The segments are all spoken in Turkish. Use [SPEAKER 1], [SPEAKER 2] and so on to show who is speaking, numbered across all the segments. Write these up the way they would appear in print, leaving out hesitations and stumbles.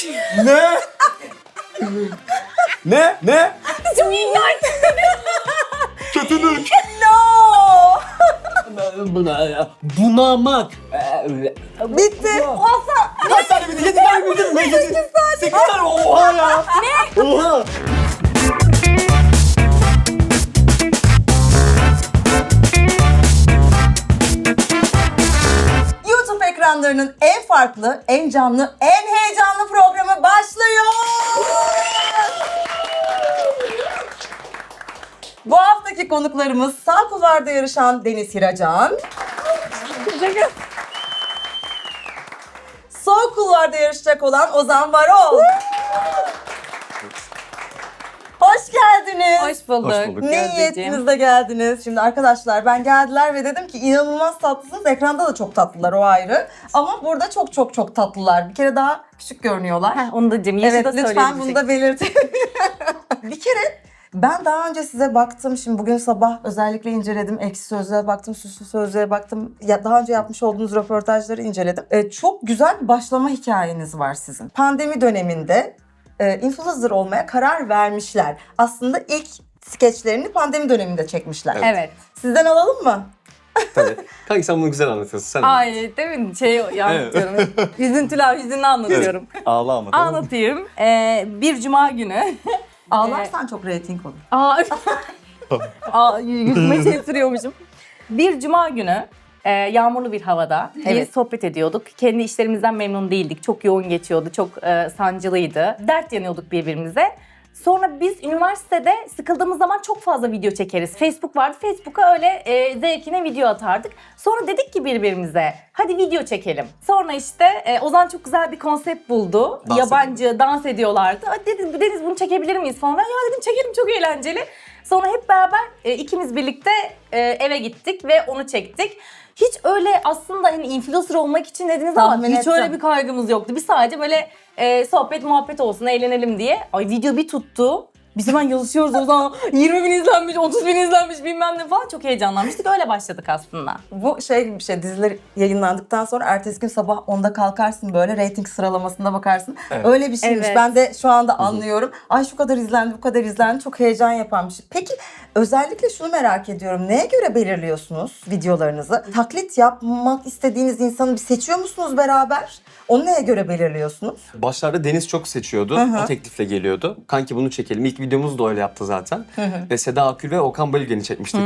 [SPEAKER 1] Ne? Ne?
[SPEAKER 2] Çok iyi geldi.
[SPEAKER 1] Kötülük.
[SPEAKER 2] No.
[SPEAKER 1] Bunamak.
[SPEAKER 2] Bitti. Hasan.
[SPEAKER 1] Kaç tane bildi? 7 tane bildin mi? 8 tane. Oha ya. Ne? Oha.
[SPEAKER 2] YouTube ekranlarının en farklı, en canlı, en heyecanlı programı başlıyor. Bu haftaki konuklarımız sağ kulvarda yarışan Deniz Hiracan. Sol kulvarda yarışacak olan Ozan Varol. Hoş geldiniz.
[SPEAKER 3] Hoş bulduk.
[SPEAKER 1] Hoş bulduk.
[SPEAKER 2] Ne
[SPEAKER 3] Gözdeciğim.
[SPEAKER 2] niyetinizle geldiniz? Şimdi arkadaşlar ben geldiler ve dedim ki inanılmaz tatlısınız. Ekranda da çok tatlılar, o ayrı. Ama burada çok tatlılar. Bir kere daha küçük görünüyorlar.
[SPEAKER 3] Heh, onu da diyeceğim. Yaşı
[SPEAKER 2] Evet
[SPEAKER 3] da
[SPEAKER 2] lütfen bunu da belirtin. Bir kere ben daha önce size baktım. Şimdi bugün sabah özellikle inceledim. Ekşi Sözlüğe baktım, Süslü Sözlüğe baktım. Ya daha önce yapmış olduğunuz röportajları inceledim. Çok güzel bir başlama hikayeniz var sizin. Pandemi döneminde influencer olmaya karar vermişler. Aslında ilk skeçlerini pandemi döneminde çekmişler.
[SPEAKER 3] Evet.
[SPEAKER 2] Sizden alalım mı?
[SPEAKER 1] Tabii. Kanki sen bunu güzel anlatıyorsun. Sen
[SPEAKER 3] Ay değil mi? Anlatıyorum. Hüzünlü anlatıyorum.
[SPEAKER 1] Ağla ama.
[SPEAKER 3] Anlatayım. Bir cuma günü.
[SPEAKER 2] Ağlarsan çok reyting olur.
[SPEAKER 3] Yüzüme şey sürüyormuşum. Bir cuma günü yağmurlu bir havada
[SPEAKER 2] Evet.
[SPEAKER 3] bir sohbet ediyorduk. Kendi işlerimizden memnun değildik. Çok yoğun geçiyordu. Çok sancılıydı. Dert yanıyorduk birbirimize. Sonra biz üniversitede sıkıldığımız zaman çok fazla video çekeriz. Facebook vardı. Facebook'a öyle zevkine video atardık. Sonra dedik ki birbirimize hadi video çekelim. Sonra işte Ozan çok güzel bir konsept buldu. Yabancı dans ediyorlardı. Hadi dedi, Deniz bunu çekebilir miyiz falan. Ya dedim çekelim, çok eğlenceli. Sonra hep beraber ikimiz birlikte eve gittik ve onu çektik. Hiç öyle aslında hani influencer olmak için dediniz ama
[SPEAKER 2] Tahmin
[SPEAKER 3] hiç
[SPEAKER 2] ettim.
[SPEAKER 3] öyle bir kaygımız yoktu. Biz sadece böyle sohbet muhabbet olsun, eğlenelim diye. Ay video bir tuttu. Biz hemen yazışıyoruz o zaman 20 bin izlenmiş, 30 bin izlenmiş bilmem ne falan. Çok heyecanlanmıştık. Öyle başladık aslında.
[SPEAKER 2] Bu şey gibi bir şey, diziler yayınlandıktan sonra ertesi gün sabah 10'da kalkarsın böyle reyting sıralamasına bakarsın.
[SPEAKER 1] Evet.
[SPEAKER 2] Öyle bir şeymiş.
[SPEAKER 3] Evet.
[SPEAKER 2] Ben de şu anda anlıyorum. Ay şu kadar izlendi, bu kadar izlendi. Çok heyecan yapan bir şey. Peki özellikle şunu merak ediyorum. Neye göre belirliyorsunuz videolarınızı? Taklit yapmak istediğiniz insanı bir seçiyor musunuz beraber? Onu neye göre belirliyorsunuz?
[SPEAKER 1] Başlarda Deniz çok seçiyordu. O teklifle geliyordu. Kanki bunu çekelim. İlk videomuz da öyle yaptı zaten. Ve Seda Akül ve Okan Bayülgen'i çekmiştik.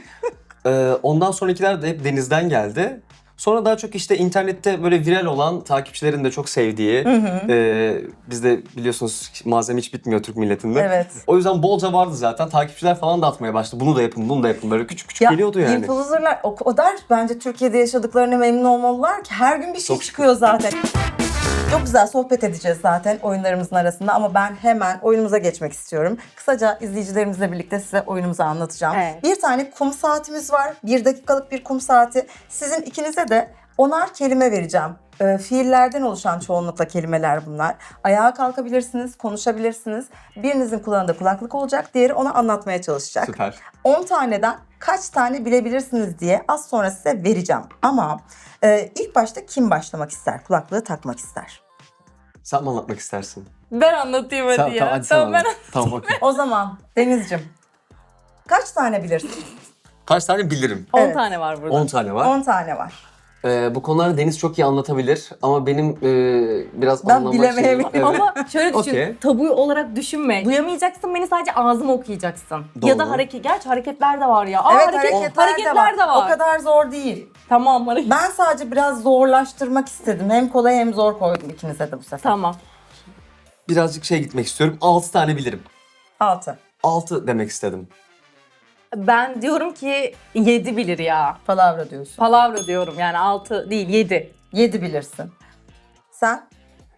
[SPEAKER 1] Ondan sonrakiler de hep Deniz'den geldi. Sonra daha çok işte internette böyle viral olan, takipçilerin de çok sevdiği, bizde biliyorsunuz malzeme hiç bitmiyor Türk milletinde.
[SPEAKER 2] Evet.
[SPEAKER 1] O yüzden bolca vardı zaten. Takipçiler falan da atmaya başladı. Bunu da yapın, bunu da yapın. Böyle küçük küçük geliyordu yani.
[SPEAKER 2] Influencer'lar o kadar bence Türkiye'de yaşadıklarına memnun olmalılar ki her gün bir şey
[SPEAKER 1] Çok
[SPEAKER 2] çıkıyor zaten. Çok güzel sohbet edeceğiz zaten oyunlarımızın arasında ama ben hemen oyunumuza geçmek istiyorum. Kısaca izleyicilerimizle birlikte size oyunumuzu anlatacağım.
[SPEAKER 3] Evet.
[SPEAKER 2] Bir tane kum saatimiz var. 1 dakikalık bir kum saati. Sizin ikinize de 10'ar kelime vereceğim. Fiillerden oluşan çoğunlukla kelimeler bunlar. Ayağa kalkabilirsiniz, konuşabilirsiniz. Birinizin kulağında kulaklık olacak, diğeri ona anlatmaya çalışacak.
[SPEAKER 1] Süper.
[SPEAKER 2] 10 taneden kaç tane bilebilirsiniz diye az sonra size vereceğim. Ama ilk başta kim başlamak ister, kulaklığı takmak ister?
[SPEAKER 1] Sen mi anlatmak istersin?
[SPEAKER 3] Ben anlatayım hadi
[SPEAKER 1] Sen,
[SPEAKER 3] ya.
[SPEAKER 1] tamam, hadi sen
[SPEAKER 3] Tamam, ben
[SPEAKER 1] anlat. Tamam, okey.
[SPEAKER 2] O zaman Deniz'cim kaç tane bilirsin?
[SPEAKER 1] Kaç tane bilirim?
[SPEAKER 3] 10
[SPEAKER 2] Evet.
[SPEAKER 3] tane var burada.
[SPEAKER 1] 10 tane var.
[SPEAKER 2] 10 tane var.
[SPEAKER 1] Bu konularda Deniz çok iyi anlatabilir ama benim biraz
[SPEAKER 2] Ben
[SPEAKER 1] anlamak
[SPEAKER 2] bilemeyebilirim
[SPEAKER 1] şeyim var. Evet.
[SPEAKER 3] Ama şöyle düşün,
[SPEAKER 1] Okey.
[SPEAKER 3] tabu olarak düşünme. Duyamayacaksın, beni sadece ağzıma okuyacaksın. Ya da
[SPEAKER 1] Doğru.
[SPEAKER 3] gerçi hareketler de var ya.
[SPEAKER 2] Evet hareketler de var. O kadar zor değil.
[SPEAKER 3] Tamam hareket.
[SPEAKER 2] Ben sadece biraz zorlaştırmak istedim. Hem kolay hem zor koydum ikinize de bu sefer.
[SPEAKER 3] Tamam.
[SPEAKER 1] Birazcık gitmek istiyorum. 6 tane bilirim.
[SPEAKER 2] 6.
[SPEAKER 1] 6 demek istedim.
[SPEAKER 3] Ben diyorum ki 7 bilir ya.
[SPEAKER 2] Palavra diyorsun.
[SPEAKER 3] Palavra diyorum yani 6 değil 7.
[SPEAKER 2] 7 bilirsin. Sen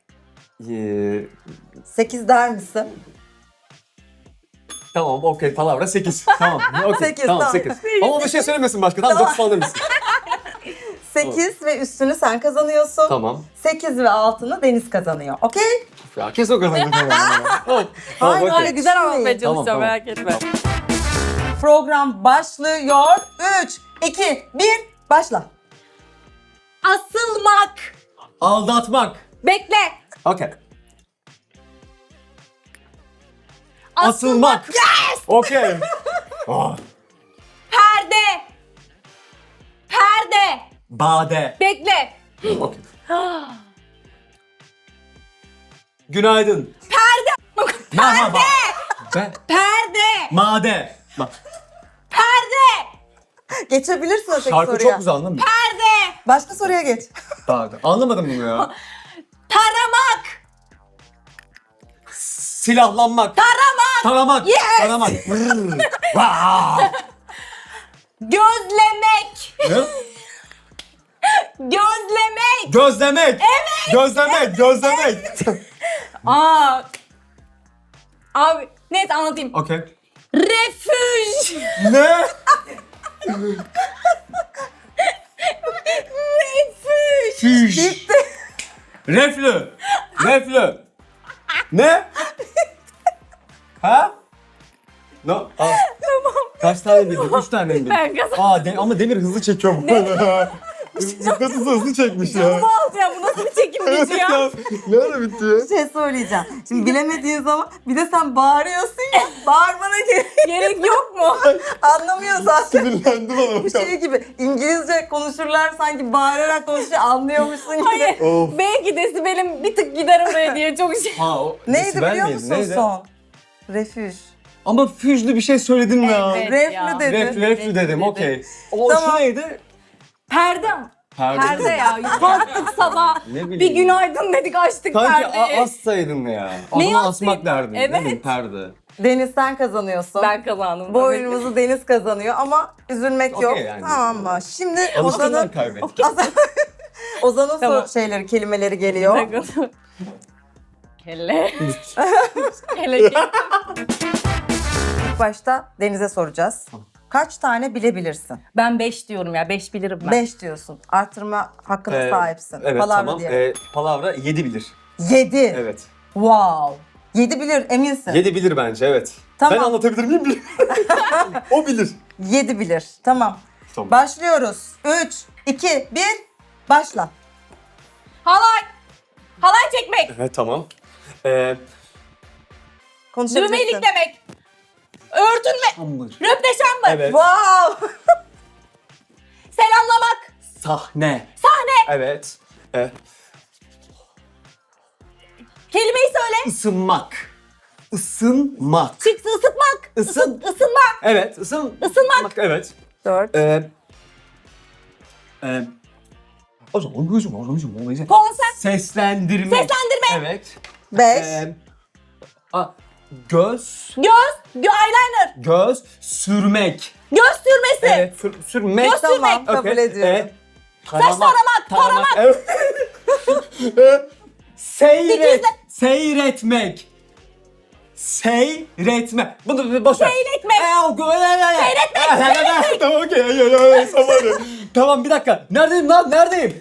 [SPEAKER 1] Ee,
[SPEAKER 2] 8 der misin?
[SPEAKER 1] tamam okey palavra 8. Tamam. Okay.
[SPEAKER 2] 8,
[SPEAKER 1] tamam
[SPEAKER 2] tamam.
[SPEAKER 1] 8. Ama bir şey söylemesin başka. Tamam 9 falan demişsin.
[SPEAKER 2] 8 ve üstünü sen kazanıyorsun.
[SPEAKER 1] Tamam.
[SPEAKER 2] 8 ve altını Deniz kazanıyor. Okey?
[SPEAKER 1] Ya kes o kadar. Tamam.
[SPEAKER 2] Hayır,
[SPEAKER 1] okey.
[SPEAKER 2] hayır.
[SPEAKER 3] Güzel anlatmaya
[SPEAKER 1] Tamam,
[SPEAKER 3] çalışacağım
[SPEAKER 1] tamam.
[SPEAKER 3] merak etme.
[SPEAKER 2] Program başlıyor. 3, 2, 1, başla.
[SPEAKER 3] Asılmak.
[SPEAKER 1] Aldatmak.
[SPEAKER 3] Bekle.
[SPEAKER 1] Okey. Asılmak. Okey. Ah.
[SPEAKER 3] Perde. Perde.
[SPEAKER 1] Bade.
[SPEAKER 3] Bekle.
[SPEAKER 1] Okey. Günaydın. Perde. Merhaba.
[SPEAKER 3] Perde.
[SPEAKER 1] Made.
[SPEAKER 3] Perde.
[SPEAKER 2] Geçebilirsin öteki
[SPEAKER 1] Şarkı
[SPEAKER 2] soruya.
[SPEAKER 1] çok güzel anladın mı?
[SPEAKER 3] Perde.
[SPEAKER 2] Başka soruya geç.
[SPEAKER 1] Bade. Anlamadım bunu ya.
[SPEAKER 3] Taramak.
[SPEAKER 1] Silahlanmak. Taramak.
[SPEAKER 3] Yes.
[SPEAKER 1] Taramak. Brrr. Vaa.
[SPEAKER 3] Gözlemek.
[SPEAKER 1] Ne?
[SPEAKER 3] Gözlemek.
[SPEAKER 1] Gözlemek. Evet. Gözlemek.
[SPEAKER 3] Aa. Abi neyse anlatayım.
[SPEAKER 1] Okey.
[SPEAKER 3] Refüj.
[SPEAKER 1] Ne?
[SPEAKER 3] Refüj.
[SPEAKER 1] Füş. Reflü. Ne? Ha? No. Aa. Kaç tane bildin? 3 tane mi bildin?
[SPEAKER 3] Ben kazandım.
[SPEAKER 1] Ama Demir hızlı çekiyor bu arada. Nasıl hızlı çekmiş ya.
[SPEAKER 3] Canımı aldı ya, bu nasıl bir çekim gücü ya?
[SPEAKER 1] Ne ara bitti ya?
[SPEAKER 2] Bir şey söyleyeceğim. Şimdi bilemediğin zaman bir de sen bağırıyorsun ya. Bağırmana
[SPEAKER 3] Gerek yok mu?
[SPEAKER 2] anlamıyor zaten.
[SPEAKER 1] Sinirlendim ama.
[SPEAKER 2] Bu şey gibi İngilizce konuşurlar sanki bağırarak konuşuyor anlıyormuşsun gibi.
[SPEAKER 3] Hayır.
[SPEAKER 1] Of.
[SPEAKER 3] Belki desibelim bir tık gider oraya diye çok şey.
[SPEAKER 1] Ha, o
[SPEAKER 2] Neydi
[SPEAKER 1] desibel
[SPEAKER 2] biliyor
[SPEAKER 1] miydi?
[SPEAKER 2] musun
[SPEAKER 1] Neydi?
[SPEAKER 2] son? Refüj.
[SPEAKER 1] Ama füjlü bir şey söyledin ya.
[SPEAKER 3] Evet.
[SPEAKER 2] Reflü
[SPEAKER 3] ya.
[SPEAKER 2] dedi.
[SPEAKER 1] Reflü dedim, okey. O
[SPEAKER 2] Tamam.
[SPEAKER 1] şu neydi?
[SPEAKER 3] Perde. Perde ya. Kalktık sabah.
[SPEAKER 1] Ne bileyim.
[SPEAKER 3] Bir günaydın dedik, açtık
[SPEAKER 1] Sanki
[SPEAKER 3] perdeyi.
[SPEAKER 1] assaydın ya.
[SPEAKER 3] Neyi
[SPEAKER 1] Adını asmak
[SPEAKER 3] asayım?
[SPEAKER 1] derdin.
[SPEAKER 3] Evet.
[SPEAKER 1] Ne bileyim, perde.
[SPEAKER 2] Deniz sen kazanıyorsun.
[SPEAKER 3] Ben kazandım.
[SPEAKER 2] Bu oyunumuzu Deniz kazanıyor ama üzülmek
[SPEAKER 1] Okey
[SPEAKER 2] yok.
[SPEAKER 1] yani.
[SPEAKER 2] Tamam mı? Şimdi
[SPEAKER 1] Alıştığından
[SPEAKER 2] Ozan'ın
[SPEAKER 1] kaybettim.
[SPEAKER 2] Ozan'ın
[SPEAKER 3] Tamam.
[SPEAKER 2] kelimeleri geliyor.
[SPEAKER 3] Kelle. Kelle.
[SPEAKER 2] İlk başta Deniz'e soracağız. Kaç tane bilebilirsin?
[SPEAKER 3] Ben 5 diyorum ya. 5 bilirim ben.
[SPEAKER 2] 5 diyorsun. Artırma hakkına sahipsin.
[SPEAKER 1] Evet,
[SPEAKER 2] Palavra
[SPEAKER 1] tamam.
[SPEAKER 2] diye.
[SPEAKER 1] Palavra 7 bilir.
[SPEAKER 2] 7.
[SPEAKER 1] Evet.
[SPEAKER 2] Wow. 7 bilir eminsin.
[SPEAKER 1] 7 bilir bence, evet.
[SPEAKER 2] Tamam.
[SPEAKER 1] Ben anlatabilir miyim? Bilmiyorum. O bilir.
[SPEAKER 2] 7 bilir. Tamam.
[SPEAKER 1] Tamam.
[SPEAKER 2] Başlıyoruz. 3, 2, 1. Başla.
[SPEAKER 3] Halay. Halay çekmek.
[SPEAKER 1] Evet, tamam.
[SPEAKER 2] Konuşabilirsin.
[SPEAKER 3] Düğme iliklemek. Örtünme.
[SPEAKER 1] Şambır.
[SPEAKER 3] Röpteşambır.
[SPEAKER 1] Evet.
[SPEAKER 2] Wow.
[SPEAKER 3] Selamlamak.
[SPEAKER 1] Sahne.
[SPEAKER 3] Sahne.
[SPEAKER 1] Evet.
[SPEAKER 3] Kelimeyi söyle.
[SPEAKER 1] Isınmak. Isınmak.
[SPEAKER 3] Çıktı ısıtmak.
[SPEAKER 1] Isın.
[SPEAKER 3] Isınma.
[SPEAKER 1] Evet.
[SPEAKER 3] Isınmak.
[SPEAKER 1] Evet.
[SPEAKER 2] 4.
[SPEAKER 3] Konser.
[SPEAKER 1] Seslendirme.
[SPEAKER 3] Seslendirme.
[SPEAKER 1] Evet.
[SPEAKER 2] 5.
[SPEAKER 1] Göz.
[SPEAKER 3] Eyeliner.
[SPEAKER 1] Göz sürmek.
[SPEAKER 3] Göz sürmesi.
[SPEAKER 1] Evet. Sürmek.
[SPEAKER 3] Göz
[SPEAKER 2] Tamam,
[SPEAKER 3] sürmek.
[SPEAKER 2] kabul
[SPEAKER 1] Okey.
[SPEAKER 2] ediyorum.
[SPEAKER 3] taramak.
[SPEAKER 1] Evet.
[SPEAKER 3] Dikizle.
[SPEAKER 1] Seyretmek. Seyretme. Bunu boş ver.
[SPEAKER 3] Seyretmek.
[SPEAKER 1] Seyretmek. Tamam, okey. Tamam, bir dakika. Neredeyim lan? Neredeyim?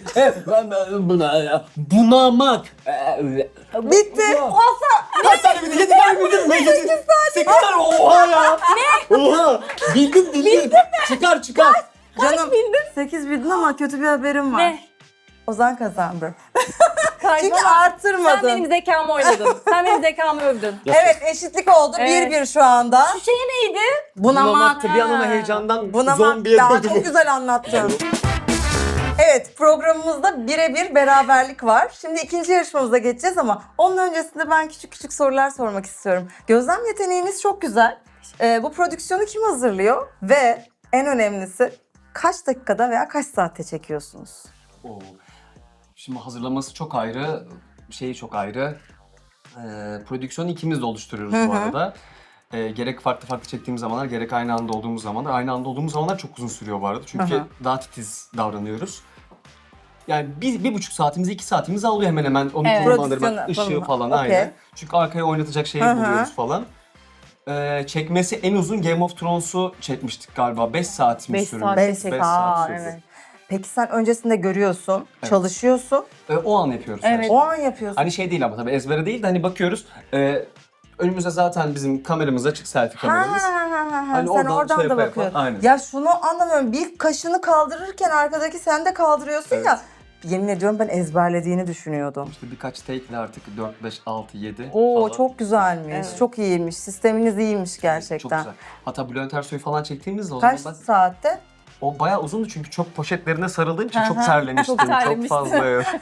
[SPEAKER 1] Bunamak.
[SPEAKER 2] Bitti.
[SPEAKER 3] Olsa.
[SPEAKER 1] Kaç tane bildin? 7 tane bildin mi? 8 tane. Oha ya. Ne? Oha. Bildin. Çıkar.
[SPEAKER 2] Canım
[SPEAKER 3] bildin?
[SPEAKER 2] 8 bildin ama kötü bir haberim var.
[SPEAKER 3] Ne?
[SPEAKER 2] Ozan kazandı. Çünkü
[SPEAKER 3] Saçmalama.
[SPEAKER 2] artırmadın.
[SPEAKER 3] Sen benim zekamı oynadın. Sen benim zekamı övdün.
[SPEAKER 2] Evet, eşitlik oldu.
[SPEAKER 3] Evet.
[SPEAKER 2] 1-1 şu anda.
[SPEAKER 3] Şu şey neydi?
[SPEAKER 1] Bunamaktı. Bir an ama
[SPEAKER 3] Ha.
[SPEAKER 1] heyecandan
[SPEAKER 2] Bunamak.
[SPEAKER 1] zombiye
[SPEAKER 2] Ya
[SPEAKER 1] döndüm.
[SPEAKER 2] çok güzel anlattın. Evet, programımızda birebir beraberlik var. Şimdi ikinci yarışmamıza geçeceğiz ama onun öncesinde ben küçük sorular sormak istiyorum. Gözlem yeteneğiniz çok güzel. Bu prodüksiyonu kim hazırlıyor? Ve en önemlisi kaç dakikada veya kaç saatte çekiyorsunuz?
[SPEAKER 1] Oo. Şimdi hazırlaması çok ayrı, şeyi çok ayrı. Prodüksiyonu ikimiz de oluşturuyoruz bu arada. Gerek farklı çektiğimiz zamanlar, gerek aynı anda olduğumuz zamanlar. Aynı anda olduğumuz zamanlar çok uzun sürüyor bu arada. Çünkü daha titiz davranıyoruz. Yani 1,5 saatimizi, 2 saatimizi alıyor hemen hemen. Onu
[SPEAKER 3] Evet.
[SPEAKER 1] konumlandırmak,
[SPEAKER 2] Prodüksiyonu
[SPEAKER 1] ışığı falan
[SPEAKER 2] okey.
[SPEAKER 1] aynen. Çünkü arkaya oynatacak şeyi buluyoruz falan. Çekmesi en uzun Game of Thrones'u çekmiştik galiba. 5 saatimiz
[SPEAKER 3] 5
[SPEAKER 1] sürdü.
[SPEAKER 3] saat.
[SPEAKER 2] Beş
[SPEAKER 1] Beş
[SPEAKER 2] saat.
[SPEAKER 1] saat
[SPEAKER 3] Aa,
[SPEAKER 1] sürdü.
[SPEAKER 3] evet.
[SPEAKER 2] Peki sen öncesinde görüyorsun,
[SPEAKER 1] Evet.
[SPEAKER 2] çalışıyorsun.
[SPEAKER 1] O an yapıyoruz.
[SPEAKER 3] Evet.
[SPEAKER 1] her şeyi.
[SPEAKER 2] O an yapıyorsun.
[SPEAKER 1] Hani şey değil ama tabii ezbere değil de hani bakıyoruz. Önümüzde zaten bizim kameramız açık, selfie kameramız. Hani
[SPEAKER 2] Sen
[SPEAKER 1] oradan
[SPEAKER 2] oradan
[SPEAKER 1] şey
[SPEAKER 2] da
[SPEAKER 1] yapa
[SPEAKER 2] bakıyorsun.
[SPEAKER 1] yapa, aynen.
[SPEAKER 2] Ya şunu anlamıyorum. Bir kaşını kaldırırken arkadaki sen de kaldırıyorsun
[SPEAKER 1] Evet.
[SPEAKER 2] ya. yemin ediyorum ben ezberlediğini düşünüyordum.
[SPEAKER 1] İşte birkaç take'le artık 4, 5, 6, 7
[SPEAKER 2] Oo
[SPEAKER 1] falan.
[SPEAKER 2] çok güzelmiş.
[SPEAKER 3] Evet.
[SPEAKER 2] Çok iyiymiş. Sisteminiz iyiymiş
[SPEAKER 1] Çok
[SPEAKER 2] gerçekten.
[SPEAKER 1] güzel. Hatta Bülent Ersoy'u falan çektiğimizde o
[SPEAKER 2] Kaç
[SPEAKER 1] zaman ben...
[SPEAKER 2] saatte?
[SPEAKER 1] O bayağı uzundu çünkü çok poşetlerine sarıldığım için çok
[SPEAKER 2] Aha.
[SPEAKER 1] terlemiştim.
[SPEAKER 3] Çok
[SPEAKER 1] Çok
[SPEAKER 3] terlemiştin.
[SPEAKER 1] fazla.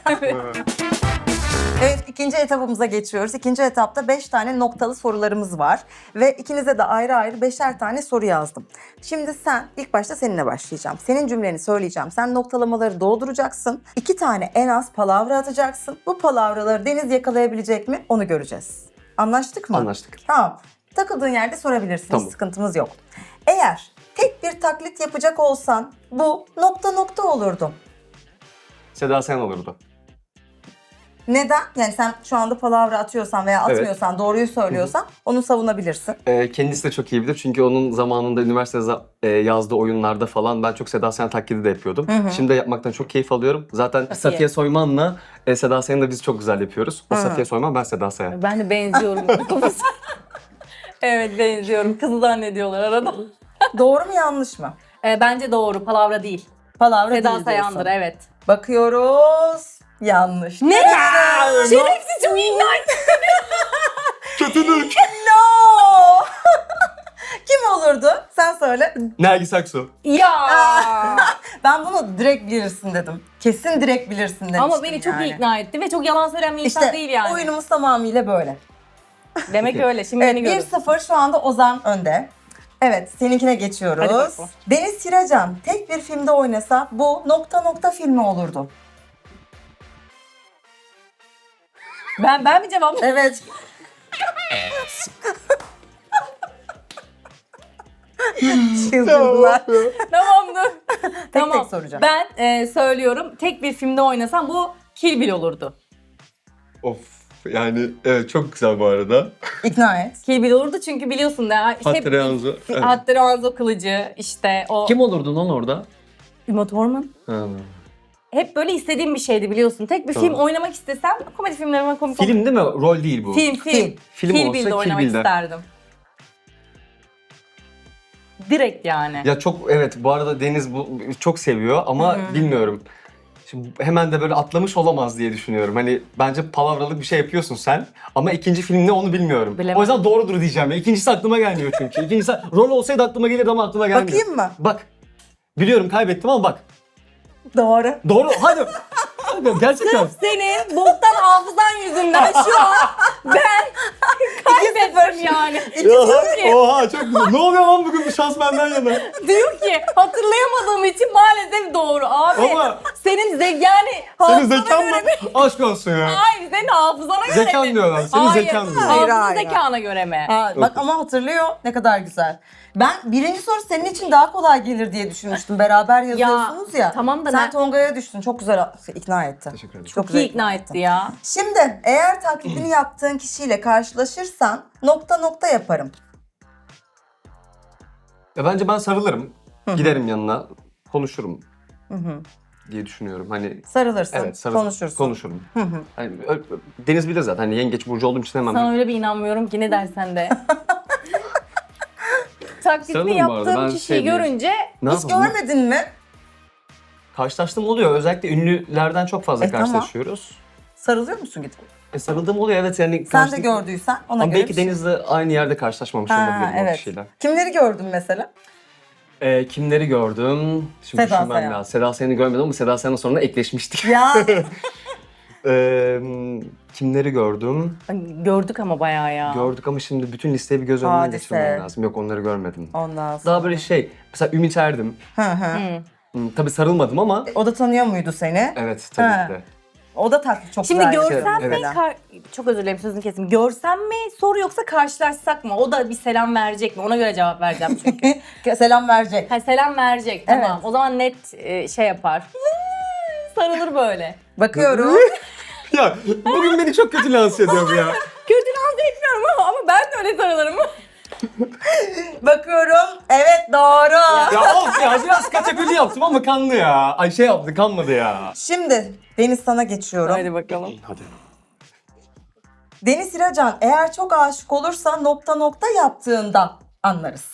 [SPEAKER 2] Evet, ikinci etapımıza geçiyoruz. İkinci etapta 5 tane noktalı sorularımız var. Ve ikinize de ayrı ayrı 5'er tane soru yazdım. Şimdi sen, ilk başta seninle başlayacağım. Senin cümleni söyleyeceğim. Sen noktalamaları dolduracaksın. 2 tane en az palavra atacaksın. Bu palavraları Deniz yakalayabilecek mi? Onu göreceğiz. Anlaştık mı?
[SPEAKER 1] Anlaştık.
[SPEAKER 2] Tamam. Takıldığın yerde sorabilirsin.
[SPEAKER 1] Tamam.
[SPEAKER 2] Hiç sıkıntımız yok. Eğer tek bir taklit yapacak olsan bu nokta nokta olurdu.
[SPEAKER 1] Seda Sayan olurdu.
[SPEAKER 2] Neden? Yani sen şu anda palavra atıyorsan veya
[SPEAKER 1] Evet.
[SPEAKER 2] atmıyorsan, doğruyu söylüyorsan onu savunabilirsin.
[SPEAKER 1] Kendisi de çok iyi bilir çünkü onun zamanında üniversitede yazdığı oyunlarda falan ben çok Seda Sayan taklidi de yapıyordum. Şimdi de yapmaktan çok keyif alıyorum. Zaten Safiye Soyman'la Seda Sayan'ı da biz çok güzel yapıyoruz. O Safiye Soyman, ben Seda Sayan.
[SPEAKER 3] Ben de benziyorum. Evet benziyorum. Kızı zannediyorlar arada.
[SPEAKER 2] Doğru mu yanlış mı?
[SPEAKER 3] Bence doğru. Palavra değil.
[SPEAKER 2] Palavra
[SPEAKER 3] Seda
[SPEAKER 2] değil
[SPEAKER 3] Sayan'dır
[SPEAKER 2] diyorsun.
[SPEAKER 3] evet.
[SPEAKER 2] Bakıyoruz. Yanlış.
[SPEAKER 3] Ne? Şerefsiz çok ikna ettin.
[SPEAKER 1] Kötülük!
[SPEAKER 2] No! Kim olurdu? Sen söyle.
[SPEAKER 1] Nergis Aksu.
[SPEAKER 3] Ya.
[SPEAKER 2] Ben bunu direkt bilirsin dedim. Kesin direkt bilirsin demiştim
[SPEAKER 3] Ama beni çok iyi ikna etti ve çok yalan söyleyen bir insan
[SPEAKER 2] İşte
[SPEAKER 3] değil yani.
[SPEAKER 2] oyunumuz tamamıyla böyle.
[SPEAKER 3] Demek öyle. Şimdi
[SPEAKER 2] Evet,
[SPEAKER 3] beni görün.
[SPEAKER 2] 1-0 şu anda Ozan önde. Evet, seninkine
[SPEAKER 3] Hadi
[SPEAKER 2] geçiyoruz.
[SPEAKER 3] bakalım.
[SPEAKER 2] Deniz Siracan tek bir filmde oynasa bu nokta nokta filmi olurdu.
[SPEAKER 3] Ben mi cevap?
[SPEAKER 2] Evet. Çıldırdılar.
[SPEAKER 3] Tamam dur.
[SPEAKER 2] Tek tek soracağım.
[SPEAKER 3] Ben söylüyorum. Tek bir filmde oynasam bu Kill Bill olurdu.
[SPEAKER 1] Of, yani evet, çok güzel bu arada.
[SPEAKER 2] İkna et.
[SPEAKER 3] Kill Bill olurdu çünkü biliyorsun da.
[SPEAKER 1] Hattori Hanzo. Evet.
[SPEAKER 3] Hattori Hanzo kılıcı işte o.
[SPEAKER 1] Kim olurdu lan orada?
[SPEAKER 3] Uma Thurman.
[SPEAKER 1] Ha.
[SPEAKER 3] Hep böyle istediğim bir şeydi biliyorsun. Tek bir
[SPEAKER 1] Tamam.
[SPEAKER 3] film oynamak istesem komedi filmlerime komik
[SPEAKER 1] Film değil mi? Rol değil bu.
[SPEAKER 3] Film.
[SPEAKER 2] Film.
[SPEAKER 1] Film
[SPEAKER 3] Kill
[SPEAKER 1] olsa
[SPEAKER 3] Bill'de
[SPEAKER 1] Kill
[SPEAKER 3] oynamak
[SPEAKER 1] Bill'de.
[SPEAKER 3] isterdim. Direkt yani.
[SPEAKER 1] Ya çok, evet, bu arada Deniz bu çok seviyor ama bilmiyorum. Şimdi hemen de böyle atlamış olamaz diye düşünüyorum. Hani bence palavralık bir şey yapıyorsun sen ama ikinci film ne onu bilmiyorum.
[SPEAKER 3] Bilemem.
[SPEAKER 1] O yüzden doğrudur diyeceğim ya. İkincisi aklıma gelmiyor çünkü. İkincisi rol olsaydı aklıma gelirdi ama aklıma gelmiyor.
[SPEAKER 2] Bakayım mı?
[SPEAKER 1] Bak. Biliyorum kaybettim ama bak.
[SPEAKER 2] Doğru.
[SPEAKER 1] Doğru. Hadi. Hadi gerçekten.
[SPEAKER 3] Senin boktan hafızan yüzünden şu an ben kaybettim yani. Diyor ki,
[SPEAKER 1] Oha çok güzel. Ne oluyor lan bugün, bir şans benden yana.
[SPEAKER 3] diyor ki hatırlayamadığım için maalesef doğru. Abi
[SPEAKER 1] Ama
[SPEAKER 3] senin yani
[SPEAKER 1] senin zekan mı? Aşk olsun ya.
[SPEAKER 3] Hayır senin hafızana göre
[SPEAKER 1] Zekan
[SPEAKER 3] mi?
[SPEAKER 1] diyorlar. Senin
[SPEAKER 3] Hayır,
[SPEAKER 1] zekan diyor.
[SPEAKER 2] Hayır,
[SPEAKER 3] Hafıza
[SPEAKER 2] hayır.
[SPEAKER 3] zekana göre mi?
[SPEAKER 2] Ha, bak ama hatırlıyor. Ne kadar güzel. Ben birinci soru senin için daha kolay gelir diye düşünmüştüm. Beraber yazıyorsunuz ya.
[SPEAKER 3] tamam da
[SPEAKER 2] Sen
[SPEAKER 3] ne-
[SPEAKER 2] Tonga'ya düştün. Çok güzel ikna etti.
[SPEAKER 1] Teşekkür ederim.
[SPEAKER 2] Çok
[SPEAKER 3] İyi
[SPEAKER 2] güzel
[SPEAKER 3] ikna etti ya.
[SPEAKER 2] Şimdi eğer taklidini yaptığın kişiyle karşılaşırsan nokta nokta yaparım.
[SPEAKER 1] Ya bence ben sarılırım. Giderim yanına. Konuşurum. Diye düşünüyorum. Hani
[SPEAKER 2] Sarılırsın,
[SPEAKER 1] evet,
[SPEAKER 2] konuşursun.
[SPEAKER 1] Konuşurum. Hani, Deniz bilir zaten. Hani yengeç burcu olduğum için hemen.
[SPEAKER 3] Sana öyle bir inanmıyorum ki ne dersen de. Taklitini
[SPEAKER 1] Sarılırım bu arada,
[SPEAKER 3] yaptığım
[SPEAKER 1] ben
[SPEAKER 3] kişiyi
[SPEAKER 1] şey diyeyim.
[SPEAKER 3] görünce
[SPEAKER 1] Ne
[SPEAKER 2] Hiç
[SPEAKER 1] yapalım?
[SPEAKER 2] görmedin mi?
[SPEAKER 1] Karşılaştığım oluyor. Özellikle ünlülerden çok fazla
[SPEAKER 2] Tamam.
[SPEAKER 1] karşılaşıyoruz.
[SPEAKER 2] Sarılıyor musun gidip?
[SPEAKER 1] Sarıldığım oluyor, evet, yani.
[SPEAKER 2] Sen de gördüysen ona
[SPEAKER 1] Ama
[SPEAKER 2] göre
[SPEAKER 1] belki
[SPEAKER 2] bir şey.
[SPEAKER 1] Deniz'le aynı yerde karşılaşmamış
[SPEAKER 2] Ha,
[SPEAKER 1] olabilirim o
[SPEAKER 2] evet.
[SPEAKER 1] kişiyle.
[SPEAKER 2] Kimleri gördün mesela?
[SPEAKER 1] Kimleri gördüm? Şimdi
[SPEAKER 2] Seda
[SPEAKER 1] düşünmem
[SPEAKER 2] Sayan.
[SPEAKER 1] lazım. Seda Sayan'ı görmedim ama Seda Sayan'la sonra ekleşmiştik.
[SPEAKER 2] Ya
[SPEAKER 1] Kimleri gördüm?
[SPEAKER 3] gördük ama bayağı ya.
[SPEAKER 1] Gördük ama şimdi bütün listeyi bir göz önünden
[SPEAKER 2] Hadise.
[SPEAKER 1] geçirmem lazım. Yok, onları görmedim.
[SPEAKER 2] ondan sonra.
[SPEAKER 1] Daha böyle şey, mesela Ümit Erdim.
[SPEAKER 2] Hı hı.
[SPEAKER 1] Tabii sarılmadım ama
[SPEAKER 2] O da tanıyor muydu seni?
[SPEAKER 1] evet, tabii
[SPEAKER 2] Ha.
[SPEAKER 1] ki de.
[SPEAKER 2] O da taklit çok
[SPEAKER 3] Şimdi
[SPEAKER 2] güzel.
[SPEAKER 3] görsem
[SPEAKER 1] Evet.
[SPEAKER 3] mi? Çok özür dilerim sözünü kesim. Görsem mi soru yoksa karşılaşsak mı? O da bir selam verecek mi? Ona göre cevap vereceğim çünkü.
[SPEAKER 2] Selam verecek.
[SPEAKER 3] Ha, selam verecek tamam.
[SPEAKER 2] Evet.
[SPEAKER 3] O zaman net şey yapar. Sarılır böyle.
[SPEAKER 2] Bakıyorum.
[SPEAKER 1] Ya bugün beni çok kötü lanse ediyor bu ya.
[SPEAKER 3] Kötü lanse etmiyorum ama ben de öyle sarılırım.
[SPEAKER 2] Bakıyorum. Evet doğru.
[SPEAKER 1] Ya of ya, biraz kaçakülü yaptım ama kandı ya. Ay şey yaptı, kanmadı ya.
[SPEAKER 2] Şimdi Deniz sana geçiyorum.
[SPEAKER 3] Hadi bakalım.
[SPEAKER 1] Hadi.
[SPEAKER 2] Deniz İracan eğer çok aşık olursa nokta nokta yaptığında anlarız.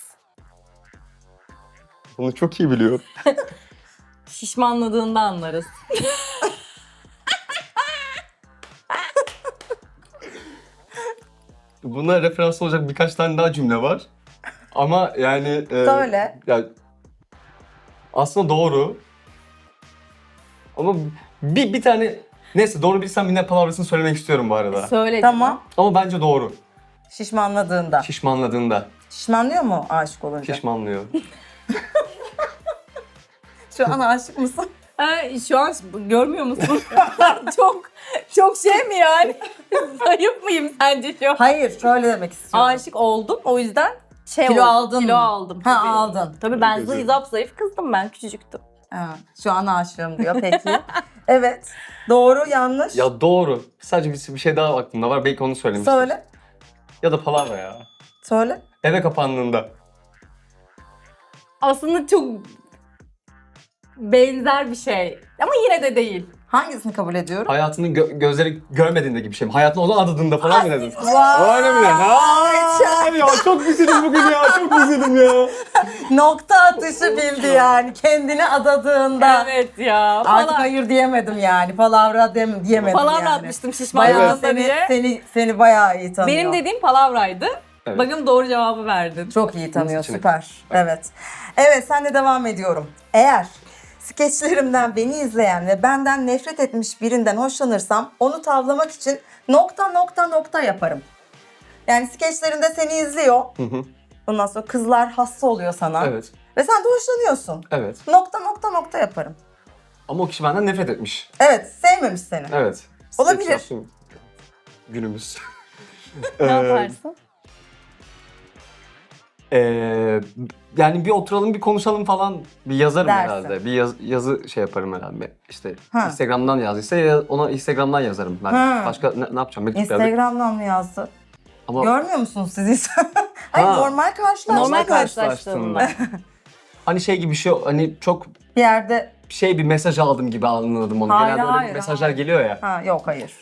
[SPEAKER 1] Bunu çok iyi biliyorum.
[SPEAKER 3] Şişmanladığında anlarız.
[SPEAKER 1] buna referans olacak birkaç tane daha cümle var. Ama yani...
[SPEAKER 2] Söyle.
[SPEAKER 1] Ya, aslında doğru. Ama bir tane... Neyse doğru bilsem yine palavrasını söylemek istiyorum bu arada.
[SPEAKER 3] Söyle.
[SPEAKER 2] Tamam.
[SPEAKER 1] Ama bence doğru.
[SPEAKER 2] Şişmanladığında.
[SPEAKER 1] Şişmanladığında.
[SPEAKER 2] Şişmanlıyor mu aşık olunca?
[SPEAKER 1] Şişmanlıyor.
[SPEAKER 2] Şu an aşık mısın?
[SPEAKER 3] Şu an görmüyor musun? çok şey mi yani? Zayıf mıyım sence şu an?
[SPEAKER 2] Hayır, şöyle demek istiyorum.
[SPEAKER 3] Aşık oldum o yüzden
[SPEAKER 2] Kilo aldın
[SPEAKER 3] Kilo
[SPEAKER 2] mı?
[SPEAKER 3] aldım.
[SPEAKER 2] Ha,
[SPEAKER 3] tabii.
[SPEAKER 2] aldın.
[SPEAKER 3] Tabii ben
[SPEAKER 1] Güzel.
[SPEAKER 3] zayıf kızdım ben küçücüktüm.
[SPEAKER 2] Ha, şu an aşığım diyor peki. Evet. Doğru, yanlış.
[SPEAKER 1] Ya doğru. Sadece bir şey daha aklımda var. Belki onu söylemiştim.
[SPEAKER 2] Söyle.
[SPEAKER 1] Ya da palavra ya.
[SPEAKER 2] Söyle.
[SPEAKER 1] Eve kapandığında.
[SPEAKER 3] Aslında çok benzer bir şey ama yine de değil.
[SPEAKER 2] Hangisini kabul ediyorum?
[SPEAKER 1] Hayatının gözleri görmediğinde gibi bir şey mi? Hayatını ona adadığında falan mı dedin?
[SPEAKER 2] Vay!
[SPEAKER 1] Öyle mi? Aa, ya çok güzelim bugün ya. Çok güzelim ya.
[SPEAKER 2] Nokta atışı bildi yani. Kendini adadığında.
[SPEAKER 3] Evet ya.
[SPEAKER 2] Artık hayır diyemedim yani. Palavra diyemedim
[SPEAKER 3] Palavra
[SPEAKER 2] yani.
[SPEAKER 3] atmıştım
[SPEAKER 2] Bayağı
[SPEAKER 3] şişmanlığında diye.
[SPEAKER 2] seni bayağı iyi tanıyor.
[SPEAKER 3] Benim dediğim palavraydı.
[SPEAKER 1] Evet.
[SPEAKER 3] Bakın doğru cevabı verdin.
[SPEAKER 2] Çok iyi tanıyor,
[SPEAKER 1] seçenek.
[SPEAKER 2] süper. Evet. Evet, sen de devam ediyorum. Eğer skeçlerimden beni izleyen ve benden nefret etmiş birinden hoşlanırsam onu tavlamak için nokta yaparım. Yani skeçlerinde seni izliyor.
[SPEAKER 1] Hı hı.
[SPEAKER 2] Ondan sonra kızlar hasta oluyor sana.
[SPEAKER 1] Evet.
[SPEAKER 2] Ve sen de hoşlanıyorsun.
[SPEAKER 1] Evet.
[SPEAKER 2] Nokta yaparım.
[SPEAKER 1] Ama o kişi benden nefret etmiş.
[SPEAKER 2] Evet, sevmemiş seni.
[SPEAKER 1] Evet.
[SPEAKER 2] Olabilir.
[SPEAKER 1] Yaptım. Günümüz.
[SPEAKER 3] Ne yaparsın?
[SPEAKER 1] Yani bir oturalım bir konuşalım falan bir yazarım
[SPEAKER 2] Dersin.
[SPEAKER 1] herhalde. Bir yazı şey yaparım herhalde. İşte
[SPEAKER 2] Ha.
[SPEAKER 1] Instagram'dan yazdıysa ona Instagram'dan yazarım ben.
[SPEAKER 2] Ha.
[SPEAKER 1] Başka ne yapacağım? Mektup yazdık.
[SPEAKER 2] Instagram'dan mı yazdı?
[SPEAKER 1] Ama
[SPEAKER 2] Görmüyor musunuz siz? Ay,
[SPEAKER 1] Ha.
[SPEAKER 2] normal karşılaşma.
[SPEAKER 3] Normal
[SPEAKER 1] karşılaştığında.
[SPEAKER 3] karşılaştığında.
[SPEAKER 1] hani şey gibi bir şey hani çok
[SPEAKER 2] Bir yerde...
[SPEAKER 1] bir mesaj aldım gibi anladım onu.
[SPEAKER 2] Hayır,
[SPEAKER 1] Genelde öyle
[SPEAKER 2] hayır,
[SPEAKER 1] mesajlar
[SPEAKER 2] hayır.
[SPEAKER 1] geliyor ya.
[SPEAKER 2] Ha, yok hayır.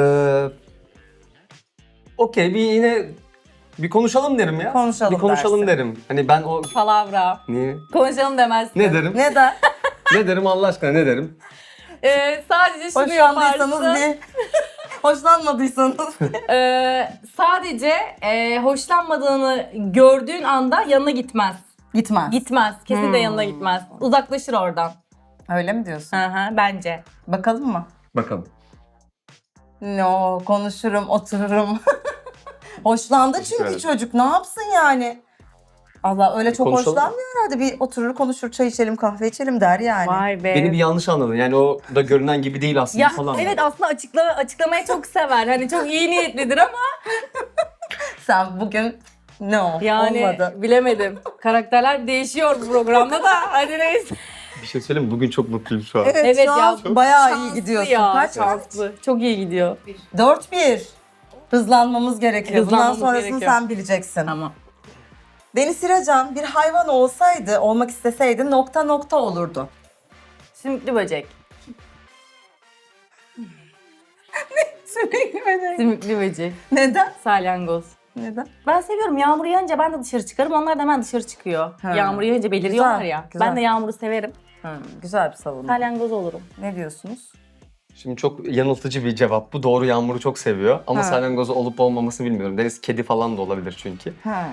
[SPEAKER 1] Okey yine bir konuşalım derim ya.
[SPEAKER 2] Konuşalım
[SPEAKER 1] Bir konuşalım
[SPEAKER 2] dersin.
[SPEAKER 1] derim. Hani ben o...
[SPEAKER 3] Palavra.
[SPEAKER 1] Niye?
[SPEAKER 3] Konuşalım demezsin.
[SPEAKER 1] Ne derim?
[SPEAKER 2] Neden?
[SPEAKER 1] Ne derim Allah aşkına ne derim?
[SPEAKER 3] Sadece şunu
[SPEAKER 2] Hoşlandıysanız
[SPEAKER 3] yaparsın.
[SPEAKER 2] bir... Hoşlanmadıysanız...
[SPEAKER 3] Sadece hoşlanmadığını gördüğün anda yanına gitmez.
[SPEAKER 2] Gitmez.
[SPEAKER 3] Gitmez. Kesinlikle yanına gitmez. Uzaklaşır oradan.
[SPEAKER 2] Öyle mi diyorsun?
[SPEAKER 3] Hı hı, bence.
[SPEAKER 2] Bakalım mı?
[SPEAKER 1] Bakalım.
[SPEAKER 2] No, konuşurum, otururum. Hoşlandı
[SPEAKER 1] Teşekkür
[SPEAKER 2] çünkü
[SPEAKER 1] ederim.
[SPEAKER 2] çocuk. Ne yapsın yani? Allah öyle çok
[SPEAKER 1] konuşalım.
[SPEAKER 2] hoşlanmıyor herhalde. Bir oturur, konuşur, çay içelim, kahve içelim der yani.
[SPEAKER 3] Vay be.
[SPEAKER 1] Beni bir yanlış anladın. Yani o da görünen gibi değil aslında
[SPEAKER 3] ya
[SPEAKER 1] falan.
[SPEAKER 3] evet aslında açıklamayı çok sever. Hani çok iyi niyetlidir ama
[SPEAKER 2] Sen bugün no,
[SPEAKER 3] yani
[SPEAKER 2] olmadı.
[SPEAKER 3] bilemedim. Karakterler değişiyor bu programda da. Hadi neyse.
[SPEAKER 1] Bir şey söyleyeyim mi? Bugün çok mutluyum şu an.
[SPEAKER 2] Evet,
[SPEAKER 3] Evet
[SPEAKER 2] şu an
[SPEAKER 3] ya,
[SPEAKER 2] bayağı
[SPEAKER 3] Şanslı
[SPEAKER 2] iyi gidiyorsun.
[SPEAKER 3] ya,
[SPEAKER 2] Kaç?
[SPEAKER 3] şanslı. Çok iyi gidiyor.
[SPEAKER 2] 4-1. Hızlanmamız gerekiyor.
[SPEAKER 3] Hızlanmamız
[SPEAKER 2] Bundan sonrasını
[SPEAKER 3] gerekiyor.
[SPEAKER 2] sen bileceksin.
[SPEAKER 3] Tamam.
[SPEAKER 2] Deniz Siracan bir hayvan olsaydı, olmak isteseydi nokta olurdu.
[SPEAKER 3] Sümüklü böcek.
[SPEAKER 2] Sürekli
[SPEAKER 3] Sümüklü böcek.
[SPEAKER 2] Neden?
[SPEAKER 3] Salyangoz.
[SPEAKER 2] Neden?
[SPEAKER 3] Ben seviyorum. Yağmur yağınca ben de dışarı çıkarım. Onlar da hemen dışarı çıkıyor.
[SPEAKER 2] Ha.
[SPEAKER 3] Yağmur yağınca beliriyorlar
[SPEAKER 2] Güzel,
[SPEAKER 3] ya.
[SPEAKER 2] güzel.
[SPEAKER 3] Ben de yağmuru severim.
[SPEAKER 2] Güzel bir savunma.
[SPEAKER 3] Salyangoz olurum.
[SPEAKER 2] Ne diyorsunuz?
[SPEAKER 1] Şimdi çok yanıltıcı bir cevap bu. Doğru Yağmur'u çok seviyor. Ama
[SPEAKER 2] Ha.
[SPEAKER 1] salyangozu olup olmamasını bilmiyorum. Deniz kedi falan da olabilir çünkü.
[SPEAKER 2] Ha.